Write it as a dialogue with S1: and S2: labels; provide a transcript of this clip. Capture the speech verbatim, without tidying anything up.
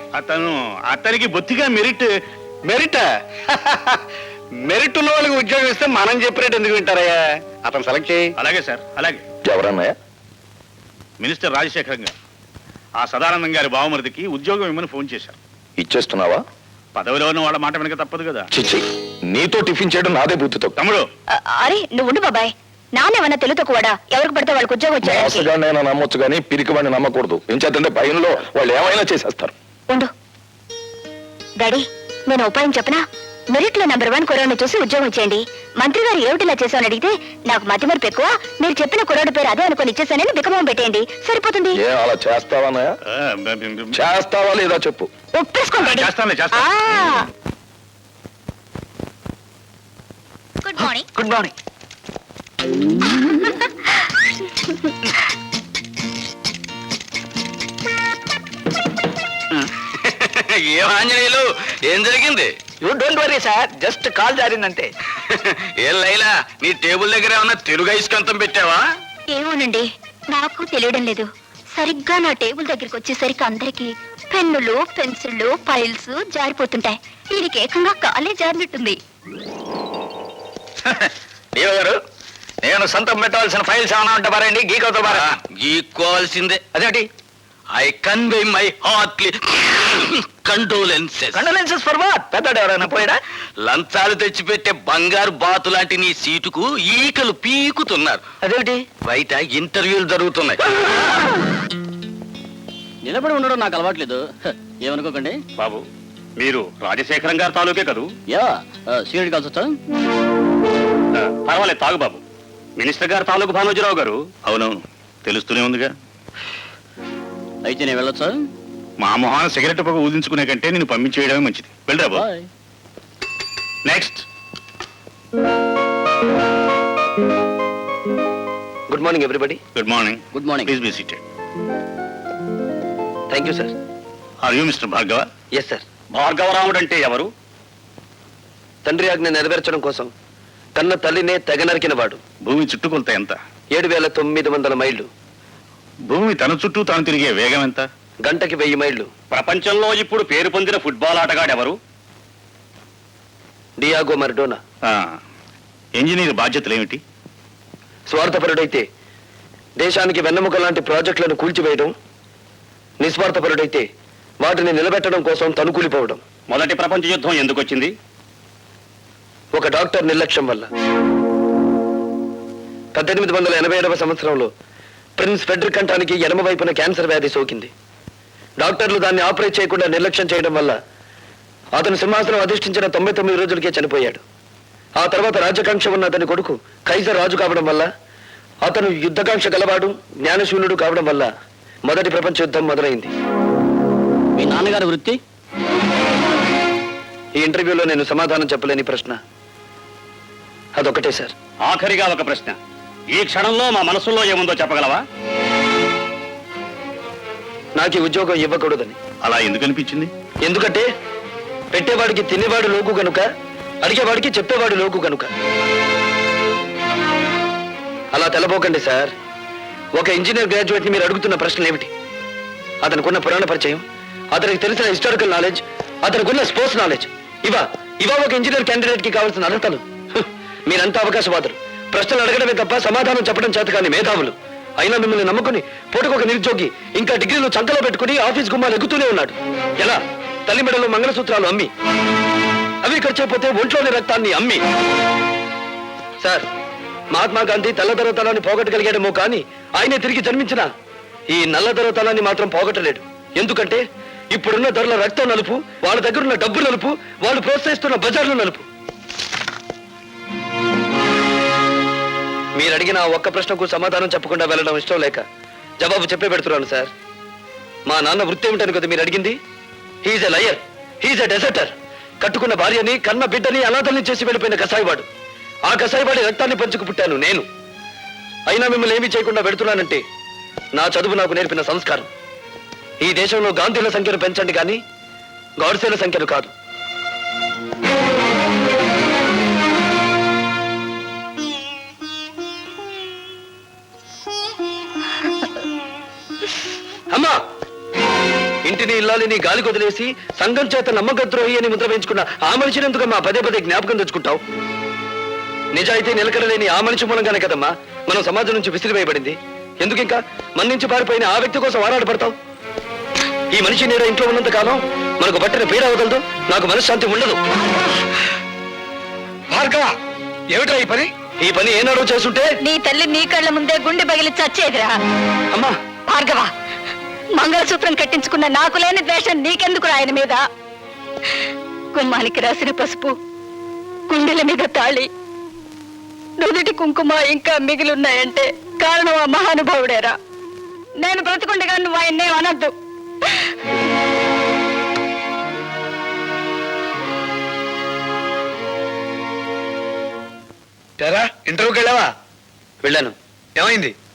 S1: అతను అతనికి బొత్తిగా మెరిట్.
S2: మెరిట్ మెరిట్ ఉన్న వాళ్ళకి ఉద్యోగం ఇస్తే మనం చెప్పినట్టు ఎందుకు వింటారయ్యా? అతను సెలెక్ట్ చేయి.
S1: అలాగే సార్, అలాగే.
S2: ఎవరన్నాయా?
S1: మినిస్టర్ రాజశేఖరం గారు ఆ సదానందం గారి బావమరిదికి ఉద్యోగం ఇమ్మని ఫోన్ చేశారు.
S2: ఇచ్చేస్తున్నావా?
S1: పదవిలో ఉన్న వాళ్ళ మాట వెనక తప్పదు కదా.
S2: చిచ్చి, నీతో టిఫిన్ చేయడం నాదే బుద్ధితో.
S1: తమ్ముడు,
S3: అరే నువ్వు ఉండు బాబాయ్. నానేమన్నా తెలుతో కూడా ఎవరికి పడితే వాళ్ళకి ఉద్యోగం వచ్చాడు.
S2: నేను నమ్మొచ్చు కానీ పిరికి వాడిని నమ్మకూడదు. ఏం చేద్దంటే భయంలో వాళ్ళు ఏమైనా చేసేస్తారు.
S3: ఉండు డాడీ, నేను ఉపాయం చెప్పనా? మెరిట్ లో నెంబర్ వన్ కుర్రాడిని చూసి ఉద్యోగం ఇచ్చేయండి. మంత్రి గారు ఏమిటిలా చేశామని అడిగితే నాకు మతి మరపు ఎక్కువ, మీరు చెప్పిన కుర్రాడి పేరు అదే అనుకుని ఇచ్చేసానని బికమం పెట్టేయండి, సరిపోతుంది.
S2: అలా చేస్తావా? చేస్తావా లేదా చెప్పు.
S3: ఒప్పేసుకోండి. Good morning.
S2: Good morning.
S4: ఏం ఆంజనేయులు, ఏం జరిగింది?
S2: You don't worry sir, just call జారిందంటే.
S4: ఏం లైలా, నీ టేబుల్ దగ్గర ఏమన్నా తెలుగు ఐస్కంతం పెట్టావా?
S3: ఏమోనండి, నాకు తెలియడం లేదు. సరిగ్గా నా టేబుల్ దగ్గరికి వచ్చేసరికి అందరికి పెన్నులు, పెన్సిళ్ళు, ఫైల్స్ జారిపోతుంటాయి. దీనికి ఏకంగా కాలే జారినట్టుంది.
S4: దేవ గారు, నేను సొంతం పెట్టవలసిన ఫైల్స్ ఏమైనా ఉంటే పారండి. గీకవుతా పారా? గీక్కోవాల్సిందే. అదేంటి? I convey my heartly condolences. Condolences for what? పెద్దడు ఎవరైనా పోయాడా? లంచాలు తెచ్చిపెట్టే బంగారు బాతు లాంటి నీ సీటుకు ఈకలు పీకుతున్నారు. అదేంటి? బయట ఇంటర్వ్యూలు జరుగుతున్నాయి.
S5: నిలబడి ఉండడం నాకు అలవాట్లేదు, ఏమనుకోకండి.
S1: బాబు, మీరు రాజశేఖరం గారి తాలూకే కదూ?
S5: యా, సీనియర్ కలిసి వచ్చా?
S1: పర్వాలేదు, తాగు బాబు. మినిస్టర్ గారు తాలూకు భానోజీరావు గారు. అవునవును, తెలుస్తూనే ఉందిగా.
S5: అయితే నేను వెళ్ళొచ్చా?
S1: మా మొహాన సిగరెట్ పొగ ఊదించుకునే కంటే నేను పంపించేయడమే మంచిది. వెళ్ళరా బాబు. Next.
S2: Good morning everybody.
S1: Good morning.
S5: Good morning.
S1: Please be seated.
S2: Thank you sir.
S1: Are you mister Bhargava?
S2: Yes sir.
S1: భార్గవరాముడు అంటే ఎవరు?
S2: తండ్రి ఆజ్ఞ నెరవేర్చడం కోసం కన్న తల్లినే తెగ నరికిన వాడు.
S1: భూమి చుట్టుకొలత ఎంత?
S2: ఏడు వేల తొమ్మిది వందల మైళ్ళు.
S1: భూమి తన చుట్టూ తాను తిరిగే వేగం ఎంత?
S2: గంటకి వెయ్యి మైళ్ళు.
S1: ప్రపంచంలో ఇప్పుడు పేరు పొందిన ఫుట్బాల్ ఆటగాడు ఎవరు?
S2: డియాగో మర్డోనా.
S1: ఇంజనీర్ బాధ్యతలు ఏమిటి?
S2: స్వార్థపరుడైతే దేశానికి వెన్నెముక లాంటి ప్రాజెక్టులను కూల్చివేయడం, నిస్వార్థపరుడైతే వాటిని నిలబెట్టడం కోసం తనుకూలిపోవడం.
S1: మొదటి ప్రపంచ యుద్ధం ఎందుకు వచ్చింది?
S2: ఒక డాక్టర్ నిర్లక్ష్యం వల్ల. పద్దెనిమిది వందల ఎనభై ఏడవ సంవత్సరంలో ప్రిన్స్ ఫెడ్రిక్ కంఠానికి ఎడమ వైపున క్యాన్సర్ వ్యాధి సోకింది. డాక్టర్లు దాన్ని ఆపరేట్ చేయకుండా నిర్లక్ష్యం చేయడం వల్ల అతను సింహాసనం అధిష్ఠించిన తొంభై తొమ్మిది రోజులకే చనిపోయాడు. ఆ తర్వాత రాజ్యకాంక్ష ఉన్న అతని కొడుకు కైజర్ రాజు కావడం వల్ల, అతను యుద్ధకాంక్ష గలవాడు, జ్ఞానశూన్యుడు కావడం వల్ల మొదటి ప్రపంచ యుద్ధం మొదలైంది.
S5: మీ నాన్నగారి వృత్తి?
S2: ఈ ఇంటర్వ్యూలో నేను సమాధానం చెప్పలేని ప్రశ్న అదొకటే సార్.
S1: ఆఖరిగా ఒక ప్రశ్న. ఈ క్షణంలో మా మనసులో ఏముందో చెప్పగలవా?
S2: నాకు ఈ ఉద్యోగం ఇవ్వకూడదని.
S1: అలా ఎందుకు అనిపించింది?
S2: ఎందుకంటే పెట్టేవాడికి తినేవాడు లోకు కనుక, అడిగేవాడికి చెప్పేవాడు లోకు కనుక. అలా తెలబోకండి సార్. ఒక ఇంజనీర్ గ్రాడ్యుయేట్ ని మీరు అడుగుతున్న ప్రశ్నలు ఏమిటి? అతనికున్న పురాణ పరిచయం, అతనికి తెలిసిన హిస్టారికల్ నాలెడ్జ్, అతనికున్న స్పోర్ట్స్ నాలెడ్జ్, ఇవా ఇవా ఒక ఇంజనీర్ క్యాండిడేట్ కి కావాల్సిన అర్హతలు. మీరంతా అవకాశవాదులు. ప్రశ్నలు అడగడమే తప్ప సమాధానం చెప్పడం చేత కానీ మేధావులు. అయినా మిమ్మల్ని నమ్ముకుని పూటకొక నిరుద్యోగి ఇంకా డిగ్రీలు చంకలో పెట్టుకుని ఆఫీస్ గుమ్మాలు ఎగుతూనే ఉన్నాడు. ఎలా? తల్లి మెడలో మంగళసూత్రాలు అమ్మి, అవి ఖర్చైపోతే ఒంట్లోని రక్తాన్ని అమ్మి. సార్, మహాత్మా గాంధీ తెల్లదొరతనాన్ని పోగొట్టగలిగాడేమో కానీ ఆయనే తిరిగి జన్మించిన ఈ నల్లదొరతనాన్ని మాత్రం పోగొట్టలేడు. ఎందుకంటే ఇప్పుడున్న ధరల రక్తం నలుపు, వాళ్ళ దగ్గరున్న డబ్బు నలుపు, వాళ్ళు ప్రోత్సహిస్తున్న బజార్లు నలుపు. మీరు అడిగిన ఒక్క ప్రశ్నకు సమాధానం చెప్పకుండా వెళ్ళడం ఇష్టం లేక జవాబు చెప్పే పెడుతున్నాను సార్. మా నాన్న వృత్తి ఏమిటని కదా మీరు అడిగింది? He's a liar, he's a deserter. కట్టుకున్న భార్యని, కన్న బిడ్డని అనాథల్ని చేసి వెళ్ళిపోయిన కసాయివాడు. ఆ కసాయివాడి రక్తాన్ని పంచుకు పుట్టాను నేను. అయినా మిమ్మల్ని ఏమీ చేయకుండా పెడుతున్నానంటే నా చదువు నాకు నేర్పిన సంస్కారం. ఈ దేశంలో గాంధీల సంఖ్యను పెంచండి కానీ గాడ్సేల సంఖ్యను కాదు. అమ్మా, ఇంటి ఇంటిని ఇల్లాలిని గాలి కొదిలేసి సంఘం చేత నమ్మకద్రోహి అని ముద్ర వేయించుకున్న ఆ మనిషిని ఎందుకమ్మా పదే పదే జ్ఞాపకం తెచ్చుకుంటావు? నిజాయితీ నిలకడలేని ఆ మనిషి మూలంగానే కదమ్మా మనం సమాజం నుంచి విసిరివేయబడింది. ఎందుకు ఇంకా మన నుంచి పారిపోయిన ఆ వ్యక్తి కోసం ఆరాటపడతావు? ఈ మనిషి నీడ ఇంట్లో ఉన్నంత కాలం మనకు పట్టిన పీడ అవగలదు, నాకు మనశ్శాంతి ఉండదు.
S6: భార్గవ, ఏమిట్రా ఈ పని?
S2: ఈ పని ఏనాడో చేస్తుంటే
S3: నీ తల్లి నీ కళ్ళ ముందే గుండె పగిలి చచ్చేదిరా.
S2: అమ్మా
S3: భార్గవ, మంగళసూత్రం కట్టించుకున్న నాకు లేని ద్వేషం నీకెందుకు ఆయన మీద? గుమ్మానికి రాసిన పసుపు, గుండెల మీద తాళి, నుదుటి కుంకుమ ఇంకా మిగిలిన్నాయంటే కారణం ఆ మహానుభావుడేరా. నేను బ్రతుకుండగా నువ్వు ఆయన్నే అనద్దు.
S6: తెరా ఇంటర్వ్యూకి వెళ్ళావా?
S2: వెళ్ళాను.
S6: ఏమైంది?